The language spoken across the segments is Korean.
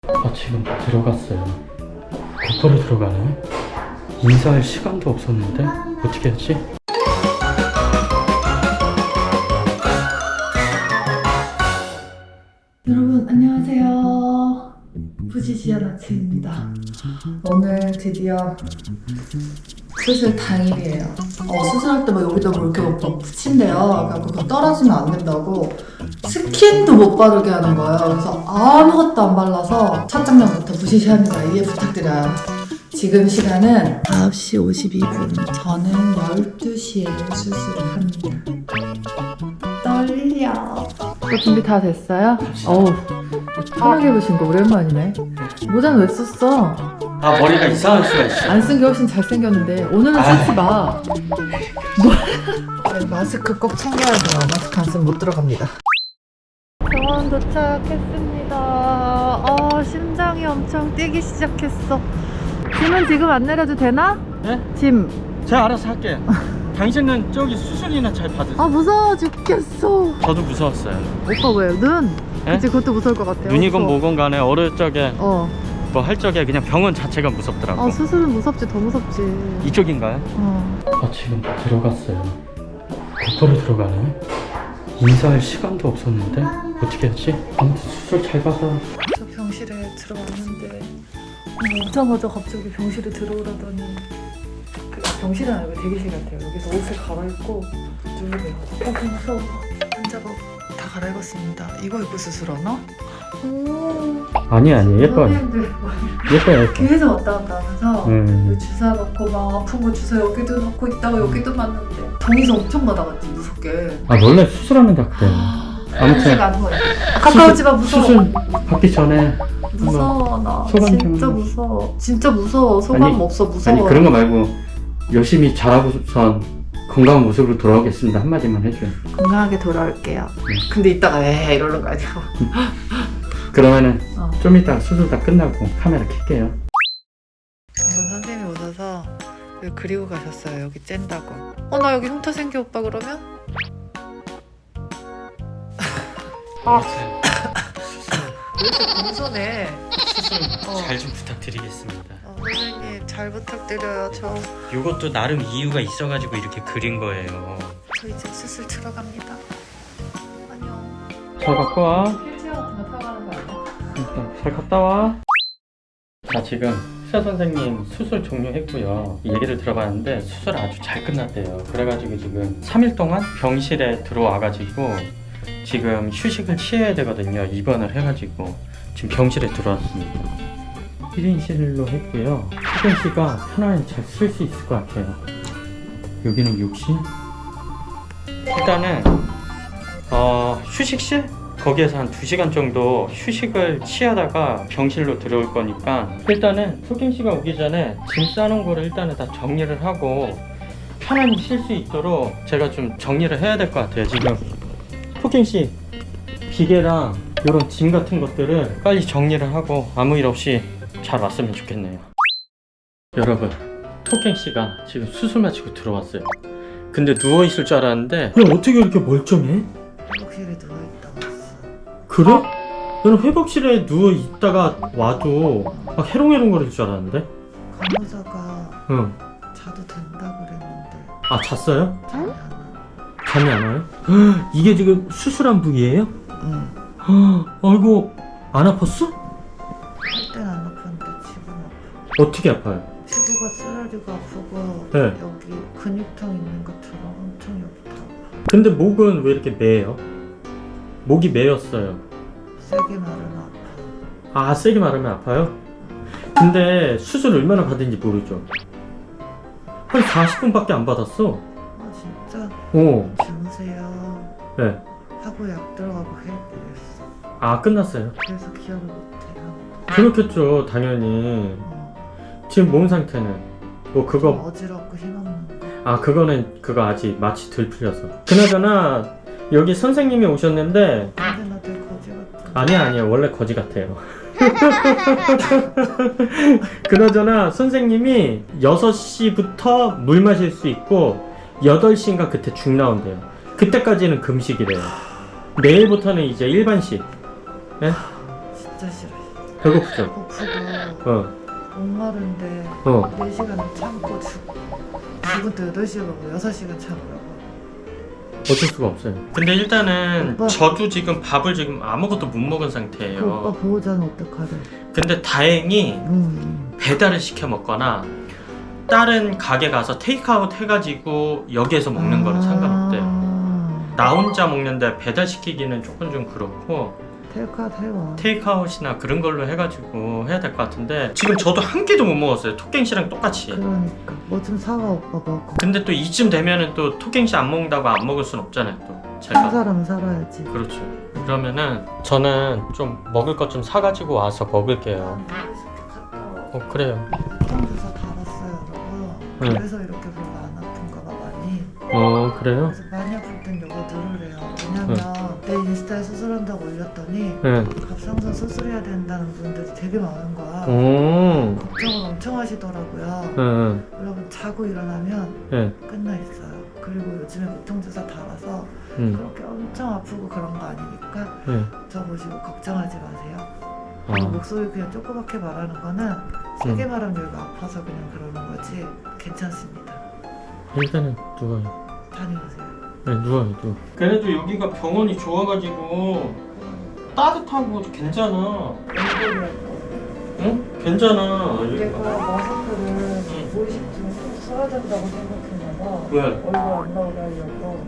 지금 들어갔어요. 곧바로 들어가네. 인사할 시간도 없었는데 어떻게 했지? 여러분 안녕하세요. 부지시한 아침입니다. 오늘 드디어 수술 당일이에요. 수술할 때 막 여기다 뭐 이렇게 막 붙인대요. 그래서 그거 떨어지면 안 된다고 스킨도 못 바르게 하는 거예요. 그래서 아무것도 안 발라서 첫 장면부터 부지시합니다. 이해 부탁드려요. 지금 시간은 9시 52분. 저는 12시에 수술을 합니다. 떨려. 또 준비 다 됐어요? 어우, 편하게 입으신 거 오랜만이네. 모자는 왜 썼어? 머리가 이상할 수가 있어. 안 쓴 게 훨씬 잘생겼는데 오늘은 쓰지 마. 네, 마스크 꼭 챙겨야 돼요. 마스크 안 쓰면 못 들어갑니다. 병원 도착했습니다. 심장이 엄청 뛰기 시작했어. 짐은 지금 안 내려도 되나? 네? 짐. 제가 알아서 할게요. 당신은 저기 수술이나 잘 받으세요. 무서워 죽겠어. 저도 무서웠어요. 오빠 왜? 눈? 네? 그치, 그것도 무서울 것 같아요. 눈이건 뭐건 간에 어릴 적에 어. 뭐 할 적에 그냥 병원 자체가 무섭더라고. 수술은 무섭지, 더 무섭지. 이쪽인가요? 지금 들어갔어요. 곧바로 들어가네. 인사할 시간도 없었는데 어떻게 했지? 아무튼 수술 잘 받아. 저 병실에 들어왔는데 오자마자 갑자기 병실에 들어오라더니 병실은 아니고 대기실 같아요. 여기서 옷을 갈아입고 누르래요. 무서워. 환자복 다 갈아입었습니다. 이거 입고 수술하나? 아니 예뻐요. 선생님들 예뻐요. 계속 왔다 갔다 하면서 주사 넣고 막 아픈 거 주사 여기도 넣고 있다가 여기도 맞는데 동의서 엄청 받아갔지, 무섭게. 원래 수술하면 다 그래요. 아무튼 가까우지 마. 무서워. 수술 받기 전에 무서워. 나 소감 진짜 좀. 무서워. 진짜 무서워. 소감 아니, 없어. 무서워. 아니 그런 거 말고 열심히 잘하고선 건강한 모습으로 돌아오겠습니다 한마디만 해줘요. 건강하게 돌아올게요. 근데 이따가 이러는 거 아니야? 그러면은 좀 이따 수술 다 끝나고 카메라 켤게요. 방금 선생님이 오셔서 여기 그리고 가셨어요. 여기 쨘다고. 나 여기 흉터 생겨 오빠 그러면? 왜 이렇게 공손해? 수술 잘 좀 부탁드리겠습니다. 선생님 잘 부탁드려요. 이것도 나름 이유가 있어가지고 이렇게 그린 거예요. 저 이제 수술 들어갑니다. 안녕. 잘 갖고 와. 휠체어 같은 거 타고 가는 거 아니야? 잘 갔다 와. 자, 지금 의사 선생님 수술 종료했고요. 얘기를 들어봤는데 수술 아주 잘 끝났대요. 그래가지고 지금 3일 동안 병실에 들어와가지고 지금 휴식을 취해야 되거든요. 입원을 해가지고 지금 병실에 들어왔습니다. 1인실로 했고요. 수근씨가 편안히 잘 쓸 수 있을 것 같아요. 여기는 욕실. 일단은 휴식실? 거기에서 한 2시간 정도 휴식을 취하다가 병실로 들어올 거니까 일단은 소경씨가 오기 전에 짐 싸놓은 거를 일단은 다 정리를 하고 편안히 쉴 수 있도록 제가 좀 정리를 해야 될 것 같아요. 지금 소경씨 비계랑 이런 짐 같은 것들을 빨리 정리를 하고 아무 일 없이 잘 왔으면 좋겠네요. 여러분, 토갱씨가 지금 수술 마치고 들어왔어요. 근데 누워있을 줄 알았는데 야, 어떻게 이렇게 멀쩡해? 회복실에 누워있다 왔어. 그래? 나는 회복실에 누워있다가 와도 막 해롱해롱 거릴 줄 알았는데? 간호사가 응. 자도 된다 그랬는데 잤어요? 잠이 안 와. 잠이 안 와요? 이게 지금 수술한 부위예요? 응. 아이고, 안 아팠어? 할 땐 안 아팠는데 지금 아파. 어떻게 아파요? 피부가 쓰라리가 아프고 네. 여기 근육통 있는 것처럼 엄청 여기도 아파. 근데 목은 왜 이렇게 매요? 목이 매였어요. 세게 말은 아파. 세게 말하면 아파요? 근데 수술 얼마나 받은지 모르죠? 한 40분밖에 안 받았어. 진짜? 주무세요. 네. 하고 약 들어가고 해드렸어. 끝났어요. 그래서 기억을 못해요. 그렇겠죠, 당연히. 지금 몸 상태는? 뭐 좀 그거 어지럽고 힘없는 거. 그거는 그거 아직 마취 덜 풀려서. 그나저나 여기 선생님이 오셨는데 근데 나 되게 거지 같아. 아니야 원래 거지 같아요. 그나저나 선생님이 6시부터 물 마실 수 있고 8시인가 그때 죽 나온대요. 그때까지는 금식이래요. 내일부터는 이제 일반식. 네? 진짜 싫어. 배고프죠? 고프고 목마른데 어. 4시간 참고 죽은 또 8시간 먹고 6시간 참으라고. 어쩔 수가 없어요. 근데 일단은 오빠. 저도 지금 밥을 지금 아무것도 못 먹은 그 오빠 상태예요. 보호자는 어떡하래? 근데 다행히 배달을 시켜 먹거나 다른 가게 가서 테이크아웃 해가지고 여기에서 먹는 거는 상관없대요. 나 혼자 먹는데 배달 시키기는 조금 좀 그렇고 테이크아웃 해와. 테이크아웃이나 그런 걸로 해가지고 해야 될 것 같은데 지금 저도 한 끼도 못 먹었어요. 토갱씨랑 똑같이. 그러니까 뭐 좀 사와 오빠 먹고. 근데 또 이쯤 되면은 또 토갱씨 안 먹는다고 안 먹을 순 없잖아요. 또 한 제가. 사람은 살아야지. 그렇죠. 그러면은 저는 좀 먹을 것 좀 사가지고 와서 먹을게요. 그래요. 주사 달았어요, 여러분. 응. 그래서 이렇게 별로 안 아픈가 봐 많이. 그래요? 그래서 많이 아플 땐 요거 누르래요. 왜냐면 내 인스타에 수술한다고 올렸더니 네. 갑상선 수술해야 된다는 분들이 되게 많은 거야. 오. 걱정을 엄청 하시더라고요. 응. 여러분 자고 일어나면 네. 끝나 있어요. 그리고 요즘에 고통주사 달아서 응. 그렇게 엄청 아프고 그런 거 아니니까 네. 저 보시고 걱정하지 마세요. 아. 목소리 그냥 조그맣게 말하는 거는 세게 말하면 여기가 아파서 그냥 그러는 거지 괜찮습니다. 일단은 누워요. 다녀오세요. 네, 누워요, 누워. 그래도 여기가 병원이 좋아가지고 따뜻하고 괜찮아. 응? 괜찮아. 내가 마스크를 응. 무의식중에 꼭 써야 된다고 생각했나봐. 왜? 얼굴 안 나오게 하려고.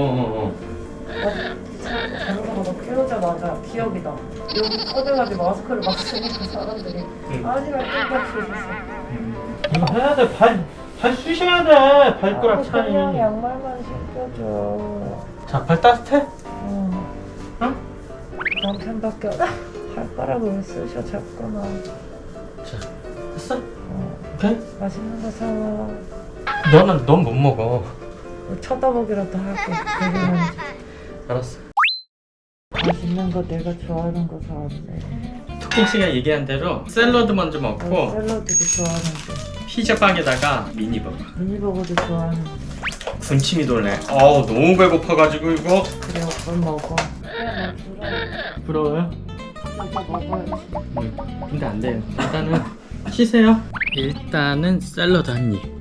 자전거 너 깨우자마자 기억이 나. 여기 커들하게 마스크를 막 쓰니까 사람들이 응. 아니라 땡겨 그랬어. 이거 해야 돼. 발 쑤셔야 돼. 발가락 차이. 그냥 양말만 신겨줘. 자, 발 따뜻해? 응. 응? 남편밖에 발가락을 왜 쓰셔 자꾸만. 자, 됐어? 오케이? 맛있는 거 사와. 넌 못 먹어. 쳐다보기라도 할게. 그러면 알았어. 맛있는 거 내가 좋아하는 거 사왔네. 토킹 씨가 얘기한 대로 샐러드 먼저 먹고 샐러드도 좋아하는데. 피자 빵에다가 미니버거. 미니버거도 좋아하는데. 군침이 돌네. 어우, 너무 배고파가지고 이거. 그래 오빠 먹어. 부러워요? 오빠 먹어야지. 근데 안 돼요. 일단은 쉬세요. 일단은 샐러드 한 입.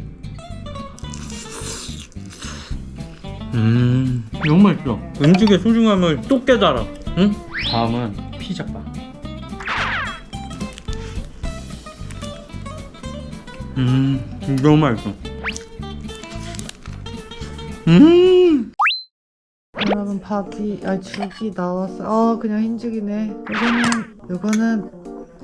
너무 맛있어. 음식의 소중함을 또 깨달아. 응? 다음은 피자빵. 너무 맛있어. 여러분 죽이 나왔어. 그냥 흰죽이네. 요거는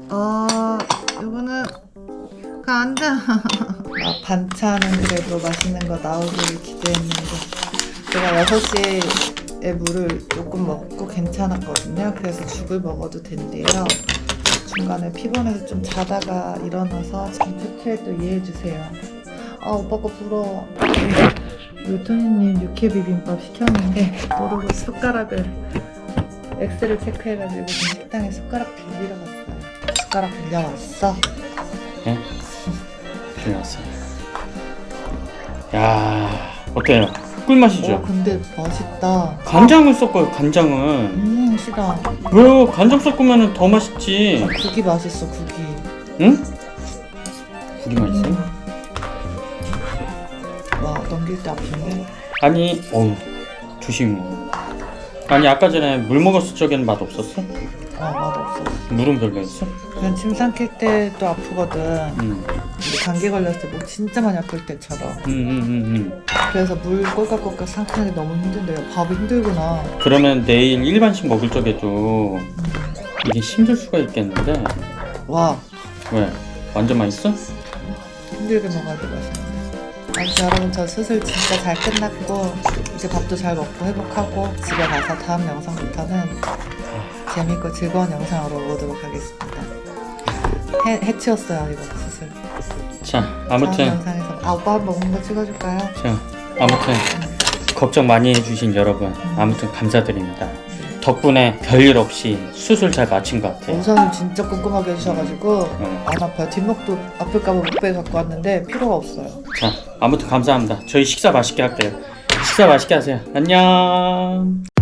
안 돼. 반찬은 그래도 맛있는 거 나오길 기대했는데 제가 6시에 물을 조금 먹고 괜찮았거든요. 그래서 죽을 먹어도 된대요. 중간에 피곤해서 좀 자다가 일어나서 잠수채 또 이해해주세요. 오빠 거 부러워. 요토니님 육회 비빔밥 시켰는데 모르고 숟가락을 X를 체크해가지고 지금 식당에 숟가락 빌리러 갔어요. 숟가락 빌려왔어? 네? 빌려왔어요. 야, 어때요? 꿀맛이죠? 근데 맛있다. 간장을 섞어요, 간장을. 싫어. 왜요? 간장 섞으면 더 맛있지. 국이 맛있어, 국이. 응? 국이 맛있어? 와, 넘길 때 아픈데? 아니, 조심히 먹어. 아니, 아까 전에 물 먹었을 적에는 맛 없었어? 맛없어. 물은 별로였어? 그냥 침 삼킬 때도 아프거든. 응. 근데 감기 걸렸을 때 목 진짜 많이 아플 때처럼. 응. 그래서 물 꼴깍꼴깍 삼키는 게 너무 힘든데요. 밥이 힘들구나. 그러면 내일 일반식 먹을 적에도 이게 힘들 수가 있겠는데. 와, 왜? 완전 맛있어? 힘들게 먹어야 돼 맛있는데. 아무튼 여러분 저 수술 진짜 잘 끝났고 이제 밥도 잘 먹고 회복하고 집에 가서 다음 영상부터는 재밌고 즐거운 영상으로 오도록 하겠습니다. 해치웠어요 이거 수술. 자, 다음 아무튼 영상에서 오빠 한 번 먹는 거 찍어줄까요? 자, 아무튼 걱정 많이 해주신 여러분 아무튼 감사드립니다. 덕분에 별일 없이 수술 잘 마친 것 같아요. 우선은 진짜 꼼꼼하게 해주셔가지고 응. 안 아파요. 뒷목도 아플까봐 목베 갖고 왔는데 필요가 없어요. 자, 아무튼 감사합니다. 저희 식사 맛있게 할게요. 식사 맛있게 하세요. 안녕.